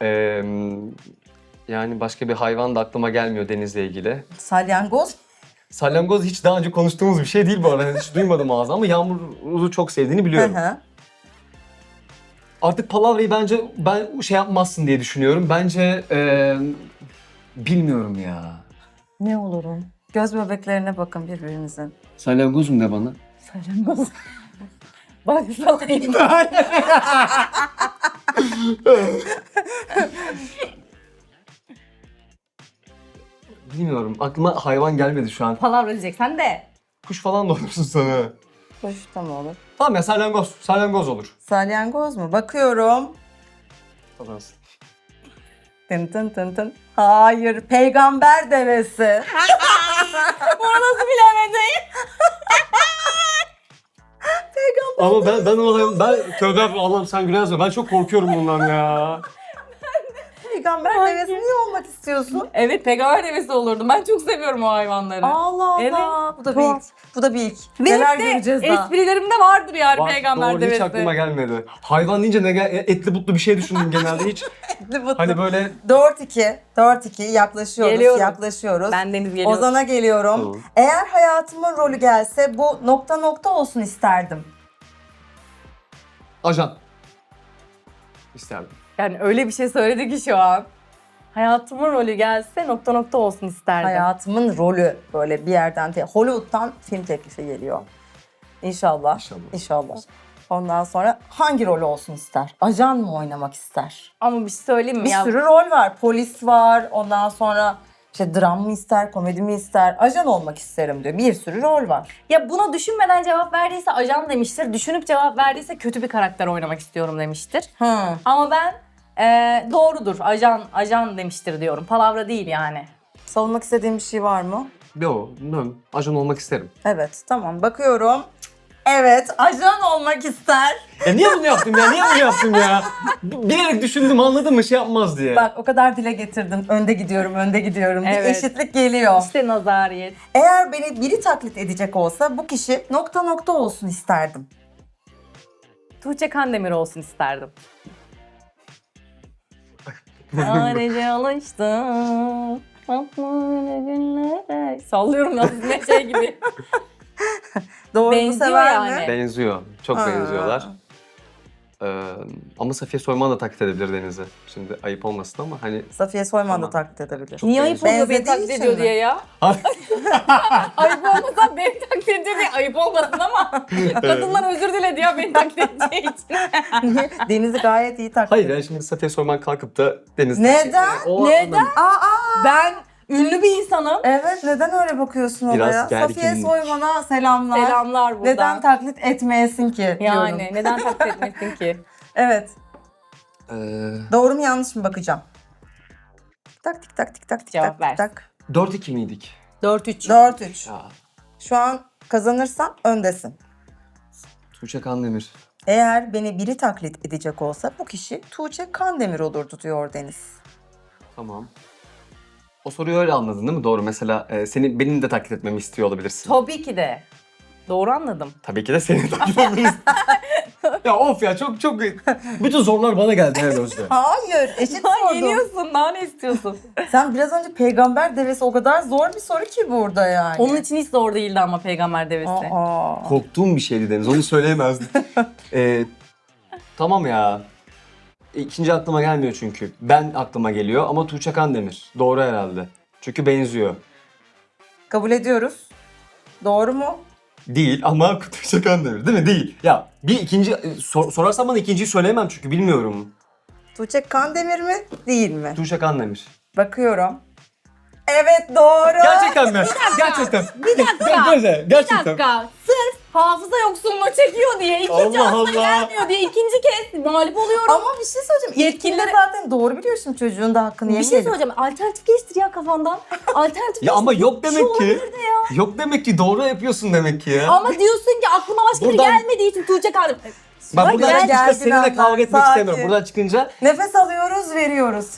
[SPEAKER 1] Yani başka bir hayvan da aklıma gelmiyor denizle ilgili.
[SPEAKER 2] Salyangoz.
[SPEAKER 1] Salyangoz hiç daha önce konuştuğumuz bir şey değil bu arada. Hiç duymadım ağzından ama Yağmur'u çok sevdiğini
[SPEAKER 2] Hı
[SPEAKER 1] biliyorum.
[SPEAKER 2] hı.
[SPEAKER 1] Artık palavrayı bence ben şey yapmazsın diye düşünüyorum. Bence bilmiyorum ya.
[SPEAKER 2] Ne olurum? Göz bebeklerine bakın birbirinizin.
[SPEAKER 1] Salyangoz mu de bana?
[SPEAKER 3] Salyangoz. Bak salayım.
[SPEAKER 1] Bilmiyorum. Aklıma hayvan gelmedi şu an.
[SPEAKER 3] Palavra diyeceksen de.
[SPEAKER 1] Kuş falan da olursun sana.
[SPEAKER 2] Hoş da mı olur?
[SPEAKER 1] Tamam ya salyangoz. Salyangoz olur.
[SPEAKER 2] Salyangoz mu? Bakıyorum.
[SPEAKER 1] Kazansın.
[SPEAKER 2] Tın tın tın tın. Hayır, peygamber devesi.
[SPEAKER 3] Bunu nasıl bilemedin?
[SPEAKER 1] Ama ben o hayvan... Ben tövbe Allah'ım sen gülersin. Ben çok korkuyorum bundan ya.
[SPEAKER 2] peygamber
[SPEAKER 3] Hangi?
[SPEAKER 2] devesi niye olmak istiyorsun?
[SPEAKER 3] Evet, peygamber devesi olurdum. Ben çok seviyorum o hayvanları.
[SPEAKER 2] Allah Allah.
[SPEAKER 3] Evet.
[SPEAKER 2] Bu da bir
[SPEAKER 3] Tuhaf.
[SPEAKER 2] ilk. Bu da bir ilk.
[SPEAKER 3] Benim
[SPEAKER 2] Neler
[SPEAKER 3] de
[SPEAKER 2] göreceğiz daha.
[SPEAKER 3] esprilerimde vardır yani
[SPEAKER 1] Bak,
[SPEAKER 3] peygamber
[SPEAKER 1] doğru,
[SPEAKER 3] devesi.
[SPEAKER 1] hiç aklıma gelmedi. Hayvan deyince etli butlu bir şey düşündüm genelde hiç. Hani böyle
[SPEAKER 2] 4-2. 4-2 yaklaşıyoruz.
[SPEAKER 3] Geliyorum.
[SPEAKER 2] Yaklaşıyoruz.
[SPEAKER 3] Ben Deniz geliyorum.
[SPEAKER 2] Ozan'a geliyorum.
[SPEAKER 1] Tamam.
[SPEAKER 2] Eğer hayatımın rolü gelse bu nokta nokta olsun isterdim.
[SPEAKER 1] ajan isterdim.
[SPEAKER 3] Yani öyle bir şey söyledi ki şu an. Hayatımın rolü gelse nokta nokta olsun isterdim.
[SPEAKER 2] Hayatımın rolü böyle bir yerden Hollywood'dan film teklifi geliyor. İnşallah.
[SPEAKER 1] İnşallah.
[SPEAKER 2] İnşallah. Ondan sonra hangi rol olsun ister? Ajan mı oynamak ister?
[SPEAKER 3] Ama bir şey söyleyeyim mi
[SPEAKER 2] Bir
[SPEAKER 3] ya?
[SPEAKER 2] sürü rol var. Polis var. Ondan sonra işte dram mı ister, komedi mi ister? Ajan olmak isterim diyor. Bir sürü rol var.
[SPEAKER 3] Ya buna düşünmeden cevap verdiyse ajan demiştir. Düşünüp cevap verdiyse kötü bir karakter oynamak istiyorum demiştir. Ama ben doğrudur. Ajan demiştir diyorum. Palavra değil yani.
[SPEAKER 2] Savunmak istediğin bir şey var mı?
[SPEAKER 1] Yo, bilmiyorum. Ajan olmak isterim.
[SPEAKER 2] Evet, tamam. Bakıyorum. Evet, ajan olmak ister.
[SPEAKER 1] Ya niye bunu yaptım ya? Niye bunu yaptım ya? Bilerek düşündüm, anladın mı? Şey yapmaz diye.
[SPEAKER 2] Bak o kadar dile getirdin. Önde gidiyorum, önde gidiyorum. Bir
[SPEAKER 3] Evet.
[SPEAKER 2] eşitlik geliyor.
[SPEAKER 3] İşte nazariyet.
[SPEAKER 2] Eğer beni biri taklit edecek olsa bu kişi nokta nokta olsun isterdim.
[SPEAKER 3] Tuğçe Kandemir olsun isterdim. Sadece alıştım. Böyle günlere. Sallıyorum yalnız ne şey gibi.
[SPEAKER 2] Doğru
[SPEAKER 3] Benziyor
[SPEAKER 2] sever
[SPEAKER 3] yani.
[SPEAKER 2] mi?
[SPEAKER 1] Benziyor. Çok
[SPEAKER 2] Ha.
[SPEAKER 1] benziyorlar. Ama Safiye Soyman da taklit edebilir Deniz'i. Şimdi ayıp olmasın ama hani...
[SPEAKER 2] Safiye Soyman da
[SPEAKER 1] Tamam.
[SPEAKER 2] taklit edebilir.
[SPEAKER 1] Çok
[SPEAKER 3] Niye ayıp oluyor beni
[SPEAKER 2] Benzediği
[SPEAKER 3] taklit
[SPEAKER 2] için
[SPEAKER 3] ediyor
[SPEAKER 2] mi?
[SPEAKER 3] diye ya? Ayıp olmasa beni taklit ediyor diye ayıp olmasın ama kadınlar özür diledi ya beni taklit edeceği için.
[SPEAKER 2] Deniz'i gayet iyi taklit
[SPEAKER 1] Hayır
[SPEAKER 2] ediyor.
[SPEAKER 1] yani şimdi Safiye Soyman kalkıp da Deniz...
[SPEAKER 2] Neden?
[SPEAKER 1] O
[SPEAKER 3] Neden?
[SPEAKER 1] anlamda-
[SPEAKER 3] Ben ünlü bir insanım.
[SPEAKER 2] Evet, neden öyle bakıyorsun
[SPEAKER 1] Biraz
[SPEAKER 2] olaya? Safiye
[SPEAKER 1] gerginlik.
[SPEAKER 2] Soyman'a selamlar.
[SPEAKER 3] Selamlar buradan.
[SPEAKER 2] Neden taklit etmeyesin ki diyorum.
[SPEAKER 3] Yani neden taklit etmesin ki?
[SPEAKER 2] Evet.
[SPEAKER 1] Ee,
[SPEAKER 2] Doğru mu yanlış mı bakacağım. Tak tik tak tik tak tik
[SPEAKER 3] Cevap
[SPEAKER 2] tak
[SPEAKER 3] ver.
[SPEAKER 2] tik tak.
[SPEAKER 1] 4-2 miydik?
[SPEAKER 3] 4-3.
[SPEAKER 2] 4-3.
[SPEAKER 1] Ya
[SPEAKER 2] Şu an kazanırsan öndesin.
[SPEAKER 1] Tuğçe Kandemir.
[SPEAKER 2] Eğer beni biri taklit edecek olsa bu kişi Tuğçe Kandemir olurdu diyor Deniz.
[SPEAKER 1] Tamam. O soruyu öyle anladın değil mi? Doğru. Mesela benim de taklit etmemi istiyor olabilirsin.
[SPEAKER 3] Tabii ki de. Doğru anladım.
[SPEAKER 1] Tabii ki de seni taklit edebiliriz. Ya of ya çok bütün zorlar bana geldi her Özde.
[SPEAKER 2] Hayır, eşit
[SPEAKER 3] Ha,
[SPEAKER 2] sordum.
[SPEAKER 3] yeniyorsun, daha ne istiyorsun?
[SPEAKER 2] Sen biraz önce peygamber devesi o kadar zor bir soru ki burada yani.
[SPEAKER 3] Onun için hiç zor değildi ama peygamber devesi.
[SPEAKER 2] Aa.
[SPEAKER 1] Korktuğum bir şeydi Deniz. Onu söyleyemezdim. Tamam ya. İkinci aklıma gelmiyor çünkü. Ben aklıma geliyor ama Tuğçe Kandemir. Doğru herhalde. Çünkü benziyor.
[SPEAKER 2] Kabul ediyoruz. Doğru mu?
[SPEAKER 1] Değil ama Tuğçe Kandemir değil mi? Değil. Ya bir ikinci sorarsan bana ikinciyi söyleyemem çünkü bilmiyorum.
[SPEAKER 2] Tuğçe Kandemir mi? Değil mi?
[SPEAKER 1] Tuğçe Kandemir.
[SPEAKER 2] Bakıyorum. Evet doğru.
[SPEAKER 1] Gerçekten mi? Gerçekten.
[SPEAKER 3] Bir dakika. Bir
[SPEAKER 1] Gerçekten.
[SPEAKER 3] dakika. Sırf hafıza yoksunluğu çekiyor diye, ikinci
[SPEAKER 1] Allah
[SPEAKER 3] aklıma
[SPEAKER 1] Allah.
[SPEAKER 3] gelmiyor diye ikinci kez mağlup oluyorum.
[SPEAKER 2] Ama bir şey söyleyeceğim. İlkinde
[SPEAKER 3] Yetkililer-
[SPEAKER 2] zaten doğru biliyorsun, çocuğun da hakkını
[SPEAKER 3] Bir şey
[SPEAKER 2] yemeyelim.
[SPEAKER 3] söyleyeceğim. Alternatif geçtir ya kafandan. Alternatif
[SPEAKER 1] Ya ama yok
[SPEAKER 3] Şu
[SPEAKER 1] demek ki.
[SPEAKER 3] olabilir de ya.
[SPEAKER 1] Yok demek ki doğru yapıyorsun demek ki ya.
[SPEAKER 3] Ama diyorsun ki aklıma başka biri
[SPEAKER 1] Buradan-
[SPEAKER 3] gelmediği için Tuğçe kaldı.
[SPEAKER 1] Ben buradan
[SPEAKER 2] Gel,
[SPEAKER 1] çıkınca
[SPEAKER 2] gel,
[SPEAKER 1] seninle
[SPEAKER 2] Dilanlar,
[SPEAKER 1] kavga etmek
[SPEAKER 2] sakin.
[SPEAKER 1] istemiyorum. Buradan çıkınca
[SPEAKER 2] Nefes alıyoruz, veriyoruz.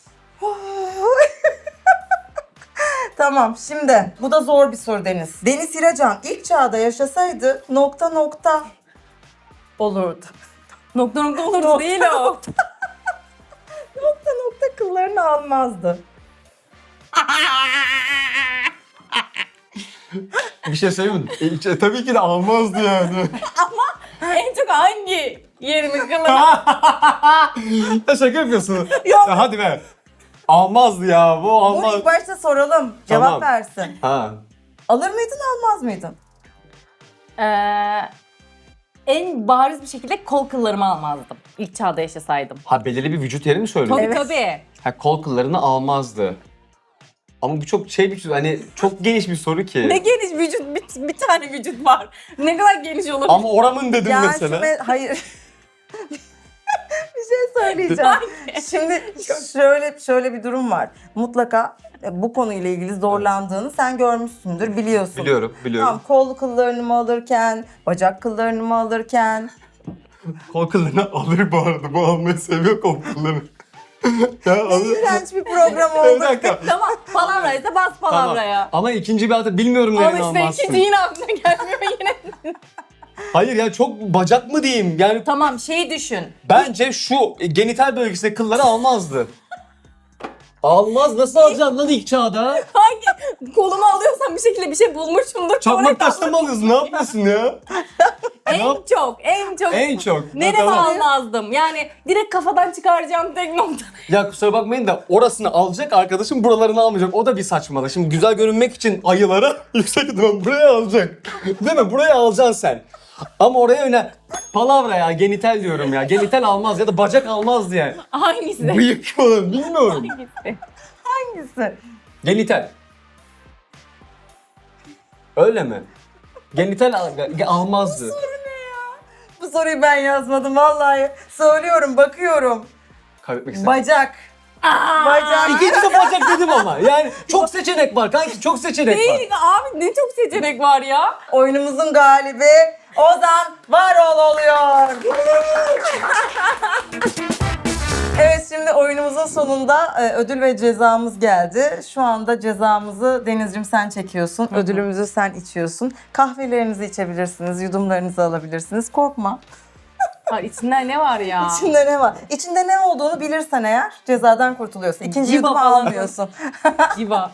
[SPEAKER 2] Tamam, şimdi bu da zor bir soru Deniz. Deniz İracan ilk çağda yaşasaydı nokta nokta olurdu.
[SPEAKER 3] Nokta olurdu değil o.
[SPEAKER 2] Nokta nokta kıllarını almazdı.
[SPEAKER 1] bir şey söyleyeyim mi? Tabii ki de almazdı yani.
[SPEAKER 3] En çok hangi yerimi kılır?
[SPEAKER 1] Ya şaka yapıyorsun. Ya hadi be. Almazdı ya bu
[SPEAKER 2] Bunu
[SPEAKER 1] almaz.
[SPEAKER 2] ilk başta soralım, cevap
[SPEAKER 1] Tamam.
[SPEAKER 2] versin.
[SPEAKER 1] Ha.
[SPEAKER 2] Alır mıydın, almaz mıydın?
[SPEAKER 3] En bariz bir şekilde kol kıllarımı almazdım. İlk çağda yaşasaydım.
[SPEAKER 1] Ha belirli bir vücut yeri mi söylüyorsun?
[SPEAKER 3] Tabii
[SPEAKER 2] Evet.
[SPEAKER 3] tabii.
[SPEAKER 1] Ha kol kıllarını almazdı. Ama bu çok şey bir hani çok geniş bir soru ki.
[SPEAKER 3] Ne geniş vücut, bir tane vücut var. Ne kadar geniş olabilir?
[SPEAKER 1] Ama oramın dedim
[SPEAKER 2] Yani
[SPEAKER 1] mesela.
[SPEAKER 2] hayır. Bir şey söyleyeceğim. Şimdi şöyle bir durum var. Mutlaka bu konuyla ilgili zorlandığını sen görmüşsündür, biliyorsun.
[SPEAKER 1] Biliyorum.
[SPEAKER 2] Tamam, kol kıllarını mı alırken, bacak kıllarını mı alırken.
[SPEAKER 1] Kol kıllarını alır bu arada. Bu almayı seviyor kol kıllarını.
[SPEAKER 2] İğrenç bir program
[SPEAKER 1] Bir
[SPEAKER 2] oldu.
[SPEAKER 1] dakika.
[SPEAKER 3] Tamam, palavraysa bas palavraya.
[SPEAKER 1] Ama ikinci bir adı bilmiyorum neden
[SPEAKER 3] Ama işte
[SPEAKER 1] almazsın.
[SPEAKER 3] ikinci yine aklına gelmiyor yine.
[SPEAKER 1] Hayır ya çok bacak mı diyeyim? Yani
[SPEAKER 3] Tamam, şeyi düşün.
[SPEAKER 1] bence şu genital bölgesinde kılları almazdı. Almaz, nasıl alacaksın lan ilk çağda?
[SPEAKER 3] Hangi kolumu alıyorsam bir şekilde bir şey bulmuşumdur.
[SPEAKER 1] Çakmak taşla mı alıyorsun? Ne yapıyorsun ya?
[SPEAKER 3] En çok.
[SPEAKER 1] En çok.
[SPEAKER 3] Nereye
[SPEAKER 1] Tamam.
[SPEAKER 3] almazdım? Yani direkt kafadan çıkaracağım tek nokta.
[SPEAKER 1] Ya kusura bakmayın da orasını alacak arkadaşım buralarını almayacak. O da bir saçmalık. Şimdi güzel görünmek için ayıları yüksek ihtimal buraya alacak. Değil mi? Buraya alacaksın sen. Ama oraya öyle palavra ya genital diyorum ya. Genital almaz ya da bacak almaz diye.
[SPEAKER 3] Hangisi?
[SPEAKER 1] Bıyık falan bilmiyorum.
[SPEAKER 3] Hangisi?
[SPEAKER 2] Hangisi?
[SPEAKER 1] Genital. Öyle mi? Genital almazdı.
[SPEAKER 2] Bu soruyu ben yazmadım vallahi. Söylüyorum, bakıyorum.
[SPEAKER 1] Kaybetmek istedim.
[SPEAKER 2] Bacak. Bacak.
[SPEAKER 1] İkinci de bacak dedim ama. Yani çok seçenek var kanki, çok seçenek var.
[SPEAKER 3] Değil abi, ne çok seçenek var ya.
[SPEAKER 2] Oyunumuzun galibi Ozan Varol oluyor. Evet, şimdi oyunumuzun sonunda ödül ve cezamız geldi. Şu anda cezamızı Denizciğim sen çekiyorsun. Ödülümüzü sen içiyorsun. Kahvelerinizi içebilirsiniz, yudumlarınızı alabilirsiniz. Korkma.
[SPEAKER 3] Hayır, içinde ne var ya?
[SPEAKER 2] İçinde ne var? İçinde ne olduğunu bilirsen eğer cezadan kurtuluyorsun. İkinci
[SPEAKER 3] Civa
[SPEAKER 2] yudumu
[SPEAKER 3] falan.
[SPEAKER 2] almıyorsun.
[SPEAKER 3] Civa.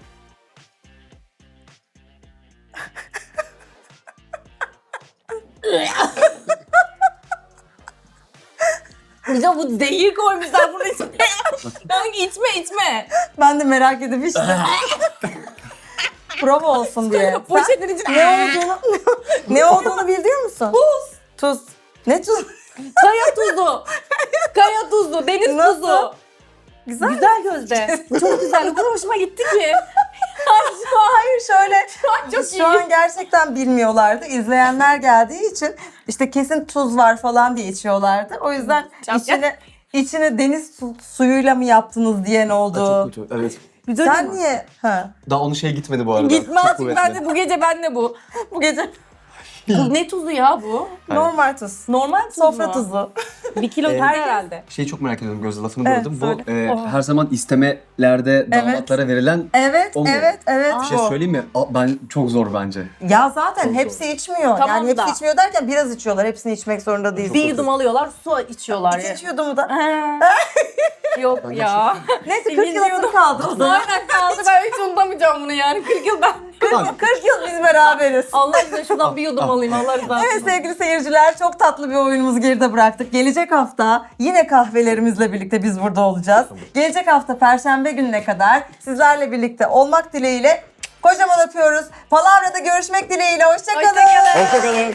[SPEAKER 3] Ya bu zehir koymuşlar bunun içine. Kanka içme.
[SPEAKER 2] Ben de merak edip işte. Prova olsun diye. Sen
[SPEAKER 3] Poşetin içine.
[SPEAKER 2] ne olduğunu biliyor musun?
[SPEAKER 3] Tuz.
[SPEAKER 2] Tuz. Ne tuz?
[SPEAKER 3] Kaya tuzu. Kaya tuzu. Deniz
[SPEAKER 2] Nasıl?
[SPEAKER 3] tuzu.
[SPEAKER 2] Güzel.
[SPEAKER 3] Güzel gözde. Çok güzel. O kadar hoşuma gitti ki.
[SPEAKER 2] Hayır şöyle.
[SPEAKER 3] Çok
[SPEAKER 2] Biz
[SPEAKER 3] iyi.
[SPEAKER 2] şu an gerçekten bilmiyorlardı. İzleyenler geldiği için işte kesin tuz var falan diye içiyorlardı. O yüzden
[SPEAKER 3] Çok
[SPEAKER 2] içine deniz suyuyla mı yaptınız diyen oldu.
[SPEAKER 1] Çok kötü, evet.
[SPEAKER 2] Sen niye? Ha.
[SPEAKER 1] Daha onun şey gitmedi bu arada.
[SPEAKER 3] Gitmez.
[SPEAKER 1] Çok kuvvetli.
[SPEAKER 3] Ben de bu gece ben de bu.
[SPEAKER 2] Bu gece
[SPEAKER 3] Bu ne tuzu ya bu?
[SPEAKER 2] normal tuz.
[SPEAKER 3] Normal tuz
[SPEAKER 2] Sofra
[SPEAKER 3] mu?
[SPEAKER 2] tuzu.
[SPEAKER 3] 1 kilo
[SPEAKER 1] Evet.
[SPEAKER 3] herhalde.
[SPEAKER 1] Şeyi çok merak ediyorum Gözde, lafını
[SPEAKER 2] Evet,
[SPEAKER 1] böldüm.
[SPEAKER 2] söyle.
[SPEAKER 1] Bu her zaman istemelerde damatlara verilen
[SPEAKER 2] Evet,
[SPEAKER 1] O mu?
[SPEAKER 2] evet.
[SPEAKER 1] bir şey
[SPEAKER 2] bu.
[SPEAKER 1] söyleyeyim mi? Ben çok zor bence.
[SPEAKER 2] Ya zaten
[SPEAKER 1] Çok
[SPEAKER 2] hepsi içmiyor.
[SPEAKER 3] Tamam
[SPEAKER 2] yani hepsi
[SPEAKER 3] da.
[SPEAKER 2] içmiyor derken biraz içiyorlar. Hepsini içmek zorunda değil.
[SPEAKER 3] Bir yudum alıyorlar, su içiyorlar.
[SPEAKER 2] İkinci yudumu da.
[SPEAKER 3] Yok ya.
[SPEAKER 2] Neyse 40
[SPEAKER 3] İkinci
[SPEAKER 2] yılımız
[SPEAKER 3] yudum.
[SPEAKER 2] kaldı o zaman.
[SPEAKER 3] Aynen kaldı. Ben hiç unutamayacağım bunu yani. 40 yıl ben.
[SPEAKER 2] 40 yıl biz beraberiz.
[SPEAKER 3] Allah aşkına şuradan bir yudum alayım. Allah rızası
[SPEAKER 2] Evet
[SPEAKER 3] için.
[SPEAKER 2] sevgili seyirciler, çok tatlı bir oyunumuzu geride bıraktık. Gelecek hafta yine kahvelerimizle birlikte biz burada olacağız. Gelecek hafta Perşembe gününe kadar sizlerle birlikte olmak dileğiyle kocaman öpüyoruz. Palavra'da görüşmek dileğiyle. Hoşça kalın.
[SPEAKER 1] Hoşçakalın.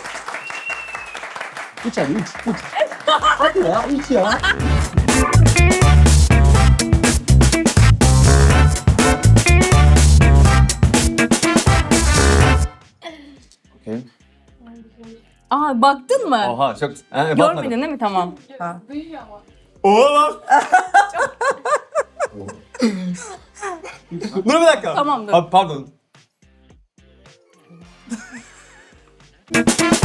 [SPEAKER 1] İç hadi iç. Hadi ya iç ya. Okay.
[SPEAKER 3] Aa, baktın mı?
[SPEAKER 1] Oha çok...
[SPEAKER 3] Görmedin değil mi? Tamam.
[SPEAKER 1] Oha lan. Dur bir dakika.
[SPEAKER 3] Tamam, dur.
[SPEAKER 1] Abi pardon.